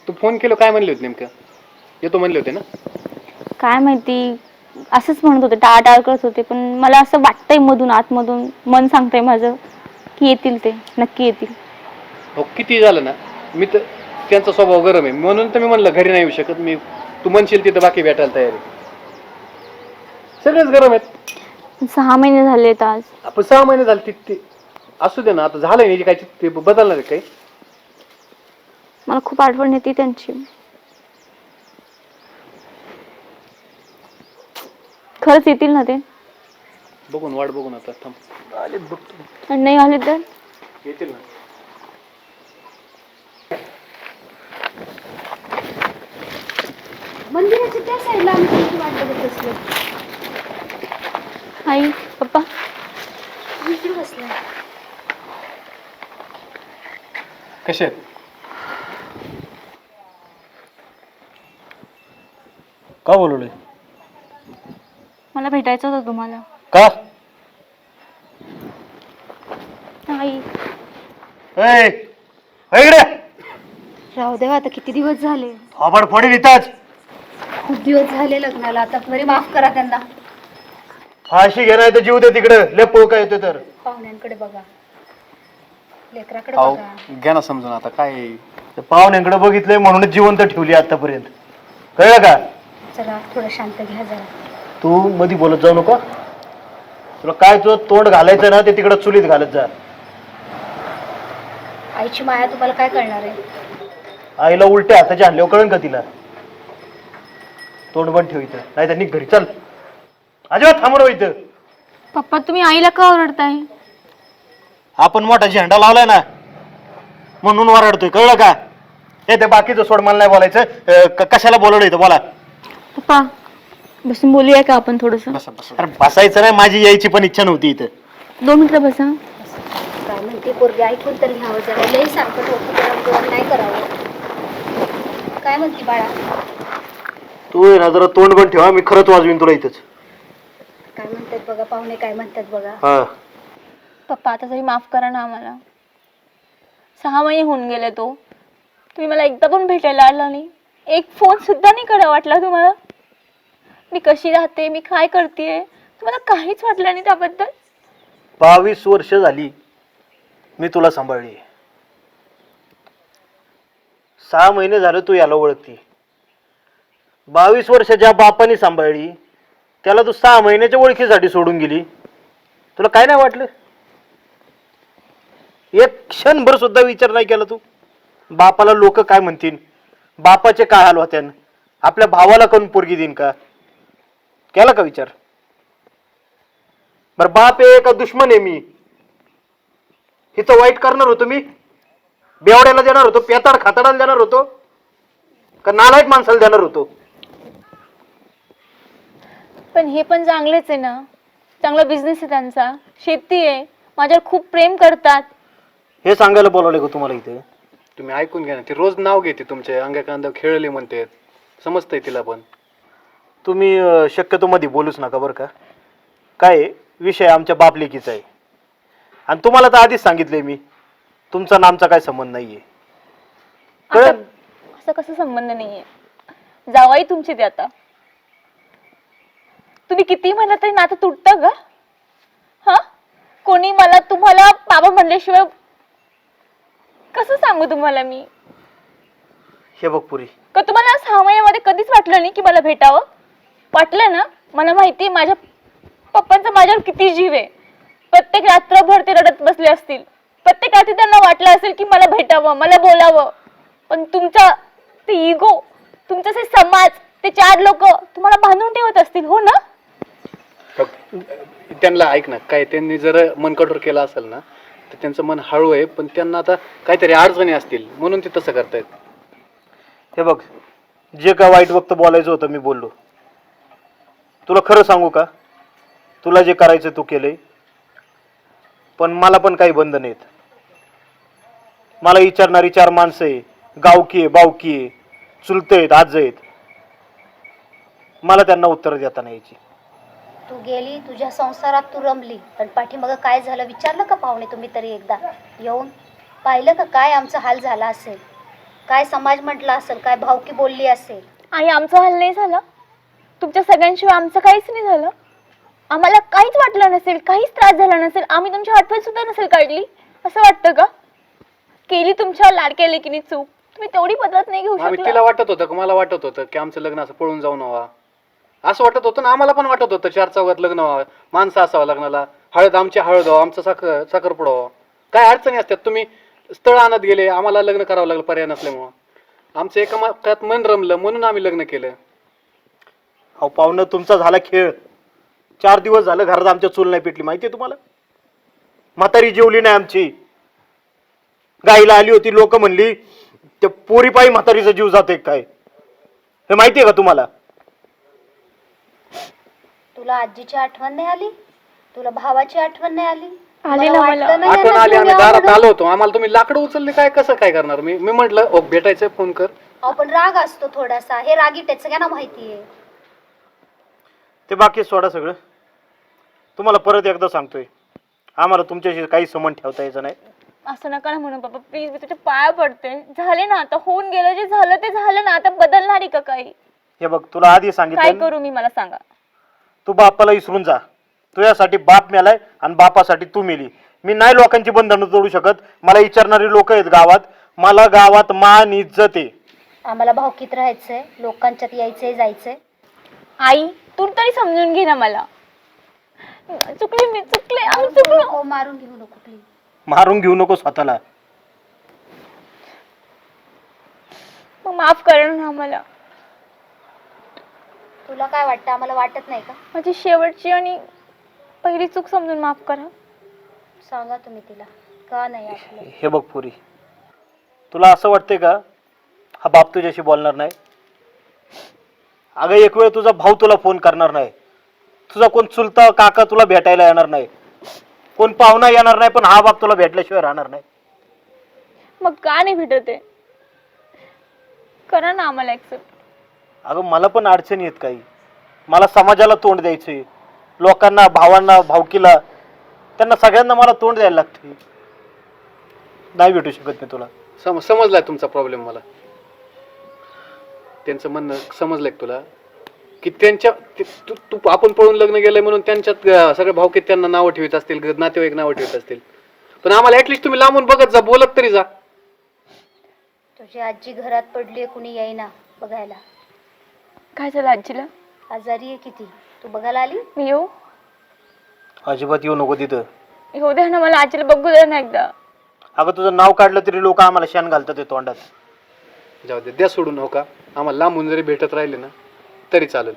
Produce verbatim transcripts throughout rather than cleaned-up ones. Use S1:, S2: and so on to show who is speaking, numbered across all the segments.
S1: तू phone केलो काय म्हणले होते नेमकं? येतो म्हणले होते ना?
S2: काय माहिती असंच म्हणत होते, टाळाटाळ करत होते, पण मला असं वाटतंय मधून आतमधून मन सांगतंय माझं की येतील, ते नक्की येतील.
S1: हो किती झालं ना, मी तर त्यांचा स्वभाव गरम आहे म्हणून तर मी म्हणलं घरी नाही येऊ शकत मी. तू म्हणशील तिथं बाकी भेटायला तयार आहे. सगळेच गरम आहेत.
S2: सहा महिने झालेत आज.
S1: आपण सहा महिने झाले ते असू दे ना, आता झालंय नाही काय ते बदलणार आहे काही.
S2: मला खूप आठवण येते त्यांची. खरंच येतील ना ते?
S1: बघून वाट बघून आता थांब. आलेत बघतो.
S2: आणि नाही आले तर?
S1: येतील ना.
S3: मंदिराच्या त्या साईडला आम्ही तुमची वाट बघत बसलो.
S2: आई पप्पा
S3: इकडे बसला.
S1: कसे आहेत?
S4: का बोलवले?
S2: मला भेटायचं होतं तुम्हाला.
S4: का?
S2: आई
S4: ए इकडे
S3: राहू देवा, आता किती दिवस झाले,
S4: थोबाड फोडील इथंच.
S3: खूप दिवस झाले लग्नाला. आता बरे माफ करा त्यांना.
S4: फाशी घेणार तर जीव दे तिकडे. लय पोळ काय येतो तर.
S3: पाहुण्यांकडे बघा, लेकराकडे
S1: अहो
S3: बघा.
S1: घ्या ना समजून आता काय आहे.
S4: ते पाहुण्यांकडे बघितलंय म्हणूनच जिवंत ठेवली आतापर्यंत. कळलं का?
S3: चला थोडं शांत घ्या जरा.
S4: तू मधी बोलत जाऊ नको. तुला काय तुझं तोंड घालायचं ना ते तिकडे चुलीत घालत जा.
S3: आईची माया तुम्हाला काय कळणार आहे?
S4: आईला उलट्या हाताच्या आणल्यावर कळन का तिला? तोंड बंद ठेव इथं, नाही तर निघ घरी. चल अजिबात थांबरो इथं.
S2: पप्पा तुम्ही आईला का ओरडताय?
S4: आपण मोठा झेंडा लावलाय ना म्हणून वरडतोय. कळलं का? हे ते बाकीचं सोड, मला नाही बोलायचं. अं, क- कशाला बोलवलं इथं बोला.
S2: पप्पा बसून बोलूया का आपण थोडस?
S1: बसा बसा.
S4: अरे बसायचं नाही, माझी यायची पण इच्छा नव्हती इथं.
S2: दोन मिनिटं बसा.
S3: काय म्हणते पोरगी, ऐकून तर घ्यावं जरा. लई सांगत होतं गरम गरम नाही करावं. काय म्हणते बाळा?
S4: तू आहे ना जरा तोंड बंद ठेवा, मी खरंच वाजवीन तुला इथंच.
S3: काय म्हणतात बघा पाहुणे, काय म्हणतात बघा.
S4: हा
S2: पप्पा आता तरी माफ करा ना आम्हाला. सहा महिने होऊन गेले तो तुम्ही मला एकदा पण भेटायला आला नाही. एक फोन सुद्धा नाही करा वाटला तुम्हाला? मी कशी राहते, मी काय करते, तुम्हाला काहीच वाटलं नाही त्याबद्दल?
S4: बावीस वर्ष झाली मी तुला सांभाळली. सहा महिने झाले तू याला ओळखती. बावीस वर्ष ज्या बापाने सांभाळली त्याला तू सहा महिन्याच्या ओळखीसाठी सोडून गेली. तुला काय नाही वाटलं? एक क्षणभर सुद्धा विचार नाही केला तू? बापाला लोक काय म्हणतील, बापाचे काय हाल होत्यान, आपल्या भावाला कोण पोरगी देईन का? केला का विचार? बर बाप आहे का दुश्मन आहे मी? हिचं वाईट करणार होतो मी? बेवड्याला देणार होतो, पेताड खाताडाला देणार होतो, का नालायक माणसाला देणार होतो?
S2: पण हे पण चांगलेच आहे ना, चांगला बिझनेस आहे त्यांचा, शेती आहे, माझ्यावर खूप प्रेम करतात.
S4: हे सांगायला बोलावले का तुम्हाला इथे?
S1: तुम्ही ऐकून घ्या ना. ती रोज नाव घेते तुमचे, अंगा कांदा खेळले म्हणते. समजतंय तिला पण.
S4: तुम्ही अं, शक्यतो मध्ये बोलूच नका बरं का. काय आहे, विषय आमच्या बापलेकीचा आहे आणि तुम्हाला तर आधीच सांगितलंय मी, तुमचा आणि आमचा काय संबंध नाहीये. कळलं?
S2: असं असं कसं संबंध नाहीये? जावाई तुमची ते आता. तुम्ही किती म्हणलं तरी नातं तुटतं का? हा, कोणी मला तुम्हाला बाबा म्हणल्याशिवाय कसं सांगू तुम्हाला मी?
S4: हे बघ पुरी,
S2: का तुम्हाला सहा महिन्यामध्ये कधीच वाटलं नाही की मला भेटावं? वाटलं ना? मला माहिती आहे माझ्या पप्पांचा माझ्यावर किती जीव आहे. प्रत्येक रात्रभर ते रडत बसले असतील, प्रत्येक रात्री त्यांना वाटलं असेल की मला भेटावं, मला बोलावं. पण तुमचा ते इगो, तुमचा ते समाज, ते चार लोक तुम्हाला बांधून ठेवत असतील, हो ना?
S1: त्यांना ऐक ना, काय त्यांनी जर मन कठोर केलं असेल ना तर त्यांचं मन हळू आहे, पण त्यांना आता काहीतरी अडचणी असतील म्हणून ते तसं करतायत.
S4: हे बघ, जे काय वाईट वक्त बोलायचं होतं मी बोललो. तुला खरं सांगू का, तुला जे करायचं तू केलंय, पण मला पण काही बंधन नाहीत. मला विचारणारी चार माणसं आहे, गावकी आहे, बावकी आहे, चुलते आहेत, आज आहेत. मला त्यांना उत्तर देता नाही यायची.
S3: तू गेली, तुझ्या संसारात तू रमली, पण पाठीमागं काय झालं विचारलं का पाहुणे तुम्ही तरी एकदा येऊन? पाहिलं का काय आमचा हाल झाला असेल? काय समाज म्हटलं असेल, काय भावकी बोलली असेल.
S2: आणि आमचं हाल नाही झालं? तुमच्या सगळ्यांशिवाय आमचं काहीच नाही झालं? आम्हाला काहीच वाटलं नसेल, काहीच त्रास झाला नसेल, आम्ही तुमची आठवण सुद्धा नसेल काढली, असं वाटतं का? केली तुमच्या लाडक्या लेकीने चूक, तुम्ही तेवढी बदलत नाही घेऊ
S1: आम्ही
S2: शकला?
S1: तिला वाटत होतं का मला वाटत होतं की आमचं लग्न असं पळून जाऊन व्हावं, असं वाटत होतं ना. आम्हाला पण वाटत होतं चार चौघात लग्न व्हावं, माणसं असावं लग्नाला, हळद आमची हळद व्हावं, आमचं साखर साखरपुडा व्हावं. काय अडचणी असतात. तुम्ही स्थळ आणत गेले, आम्हाला लग्न करावं लागलं पर्याय नसल्यामुळं. आमचं एका माकात मन रमलं म्हणून आम्ही लग्न केलं.
S4: अहो पाहुणं, तुमचा झाला खेळ. चार दिवस झालं घरात आमच्या चूल नाही पेटली, माहितीये तुम्हाला? म्हातारी जेवली नाही आमची. गाईला आली होती, लोक म्हणली त्या पोरीपायी म्हातारीचा जीव जातोय काय, हे माहितीये का तुम्हाला?
S3: तुला आजीची आठवण नाही आली? तुला भावाची आठवण नाही आली?
S2: आली
S3: मला
S2: ना
S3: वाटलं
S2: मला.
S3: नाही
S1: आठवण
S3: ना
S1: आली, आम्ही
S3: तुम्ही
S1: दारात
S3: आवडून-
S1: आलो होतो, आम्हाला तुम्ही लाकडं उचलले काय, कसं काय करणार? मी मी म्हटलं ओ भेटायचं फोन कर.
S3: अहो पण राग असतो थोडासा, हे रागीट सगळ्यांना माहितीये.
S4: ते बाकी सोडा सगळं. तुम्हाला परत एकदा सांगतोय, आम्हाला तुमच्याशी काही संबंध ठेवता यायचं नाही.
S2: असं नका ना म्हणून बाबा, प्लीज, मी तुझ्या पाया पडते. झाले ना आता, होऊन गेलं जे झालं ते झालं ना, आता बदलणार आहे का काही?
S4: हे बघ, तुला आधी
S2: काय
S4: सांगितलं,
S2: करू मी, मला सांगा.
S4: तू बापाला विसरून जा. तुझ्यासाठी बाप मेलाय आणि बापासाठी तू मेली. मी नाही लोकांची बंधनं तोडू शकत. मला विचारणारी लोक आहेत गावात. मला गावात मान इज्जत आहे.
S3: आम्हाला भावकीत राहायचंय, लोकांच्यात यायचंय जायचंय.
S2: आई, तू तरी समजून घे ना मला. चुकले मी, चुकले, आम्ही चुकलो.
S3: हो, मारून घेऊ नको प्लीज.
S4: मारून घेऊ नको स्वतःला.
S2: मग माफ करा ना आम्हाला.
S3: तुला काय वाटतं, आम्हाला वाटत नाही का?
S2: माझी शेवटची आणि पहिली चूक समजून माफ करा.
S3: सांगा तुम्ही तिला का नाही आपलं.
S4: हे बघ पुरी, तुला असं वाटतंय का हा बाप तुझ्याशी बोलणार नाही? अगं एक वेळ तुझा भाऊ तुला फोन करणार नाही, तुझा कोण चुलता काका तुला भेटायला येणार नाही, कोण पाहुणा येणार नाही, पण हा बाप तुला भेटल्याशिवाय राहणार नाही.
S2: मग का नाही भेटत आहे? करा ना आम्हाला ऍक्सेप्ट.
S4: अगं मला पण अडचणी आहेत काही. मला समाजाला तोंड द्यायचंय, लोकांना, भावांना, भावकीला, त्यांना सगळ्यांना मला तोंड द्यायला लागते. नाही भेटू शकत मी तुला.
S1: सम समजलाय तुमचा प्रॉब्लेम मला. त्यांचं म्हणणं समजलंय का तुला की त्यांच्या ते- तू तू- आपण पळून लग्न गेलंय म्हणून त्यांच्यात अं, सगळे भावकीत त्यांना नावं ठेवत असतील, ग- नातेवाईक नावं ठेवत असतील. पण आम्हाला ऍटलिस्ट तुम्ही लांबून बघत जा, बोलत तरी जा.
S3: तुझी आजी घरात पडलीये, कुणी येईना बघायला.
S2: काय झालं आजीला?
S3: आजारी आहे किती, तू बघायला आली?
S2: मी येऊ?
S4: अजिबात येऊ नको तिथं.
S2: येऊ द्या ना मला, आजीला बघू द्या ना एकदा.
S4: अगं तुझं नाव काढलं तरी लोक आम्हाला शेण घालतात ते तोंडात.
S1: जाऊ दे, द्या सोडून. हो का, आम्हाला लांबून जरी भेटत राहिले ना तरी चालेल.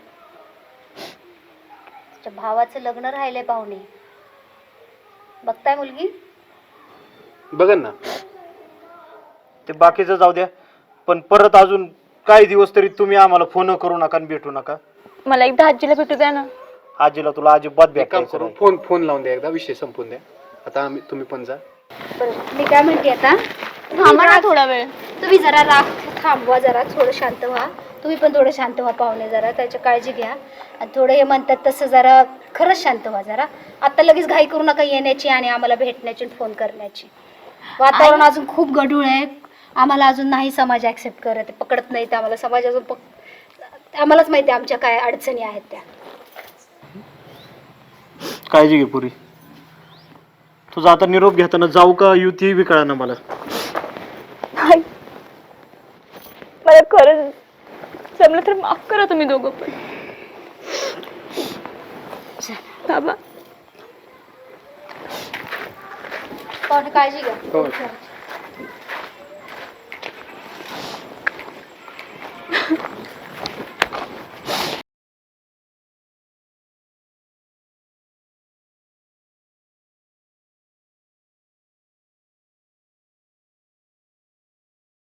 S3: तुझ्या भावाचं लग्न राहिलंय पाहुणे, बघताय मुलगी?
S1: बघन ना.
S4: ते बाकीचं जाऊ द्या, पण परत अजून काही दिवस तरी तुम्ही आम्हाला फोन करू नका आणि भेटू नका.
S2: मला एकदा आजीला भेटू द्या ना.
S4: आजीला तुला अजिबात
S1: एक काम
S4: भेटायचं
S1: करू,
S4: नाही.
S1: फोन फोन लावून द्या एकदा, विषय संपून द्या. आता आम्ही तुम्ही पण जा.
S3: बरं, मी काय म्हणते आता,
S2: थांबा ना थोडा वेळ.
S3: तुम्ही जरा राग थांबवा, जरा थोडं शांत व्हा. तुम्ही पण थोडं शांत व्हा पाहुणे, जरा त्याची काळजी घ्या. आणि थोडं हे म्हणतात तसं जरा खरंच शांत व्हा जरा. आता लगेच घाई करू नका येण्याची आणि आम्हाला भेटण्याची फोन करण्याची. वातावरण अजून खूप गढूळ आहे. आम्हाला अजून नाही समाज ॲक्सेप्ट करत आहे, पकडत नाही ते आम्हाला समाज अजून. पक आम्हालाच माहिती आहे आमच्या काय अडचणी आहेत त्या.
S4: काळजी घे पुरी. तुझा आता निरोप घेताना जाऊ का येऊ ती बी कळना मला.
S2: नाही, मला खरंच जमलं तर माफ करा तुम्ही दोघं पण. बाबा,
S3: पाहुणे काळजी घ्या.
S1: हो.